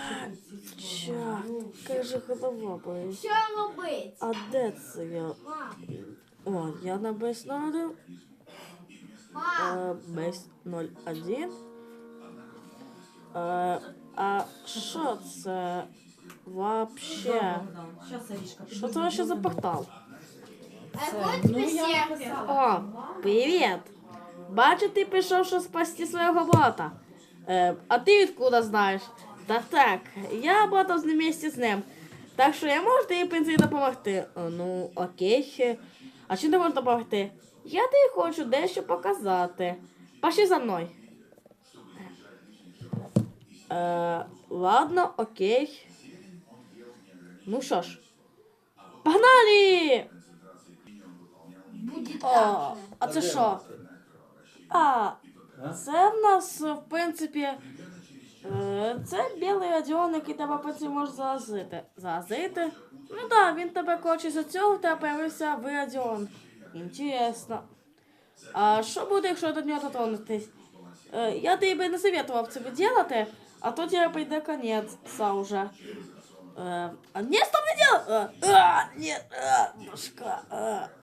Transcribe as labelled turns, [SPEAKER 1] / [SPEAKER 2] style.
[SPEAKER 1] Чорт, яка же голова болить.
[SPEAKER 2] Що робить?
[SPEAKER 1] А де це я? О, я на бейс 01. Бейс 01. А що це вообще? Що це вообще за портал?
[SPEAKER 2] Який тобі сервер?
[SPEAKER 1] О, привіт! Бачу, ти пішов, щоб спасти свого бота. А ти відкуда знаєш? Так, я ботав з ним місці з ним. Так що я можу тобі, в принципі, допомогти. Ну, окей. А чим ти можеш допомогти? Я тобі хочу дещо показати. Пошли за мною. Ладно, окей. Ну що ж. Погнали!
[SPEAKER 2] Буде
[SPEAKER 1] О,
[SPEAKER 2] так.
[SPEAKER 1] а це що? Це в нас, в принципі, це білий радіон, який тебе потім може заразити. Заразити? Ну так, він тебе хоче за цього, в тебе появився в радіон. Інтересно. А що буде, якщо до нього дотронутись? Я тобі би не советував це робити, а то тебе прийде конець уже. Ні, стоп, не делай! Нет, башка.